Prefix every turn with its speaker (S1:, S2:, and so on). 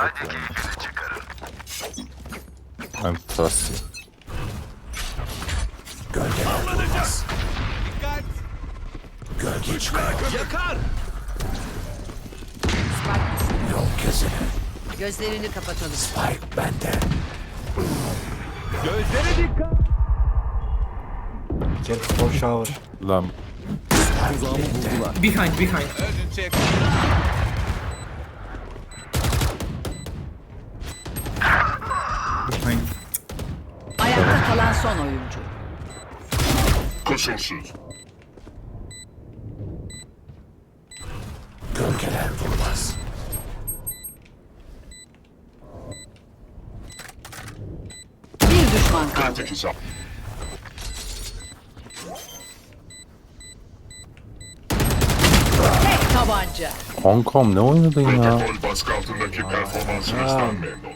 S1: I'm thirsty.
S2: Avlanacağız. Dikkat.
S3: Gölge çıkar.
S2: Yakar.
S3: Yol kesene.
S4: Gözlerini kapatalım.
S3: Spike bende.
S2: Gözlere dikkat.
S5: Careful for shower.
S1: Lan
S6: Behind.
S2: Urgent check.
S6: Behind.
S4: Ayakta kalan son oyuncu.
S7: Koşulsuz.
S3: Gölgeler durmaz.
S4: Bir düşman kaldı.
S7: Kritik hesap.
S4: Tek tabanca.
S1: kankam ne oynadın ya?
S7: Protokol baskı altındaki performansınızdan memnun.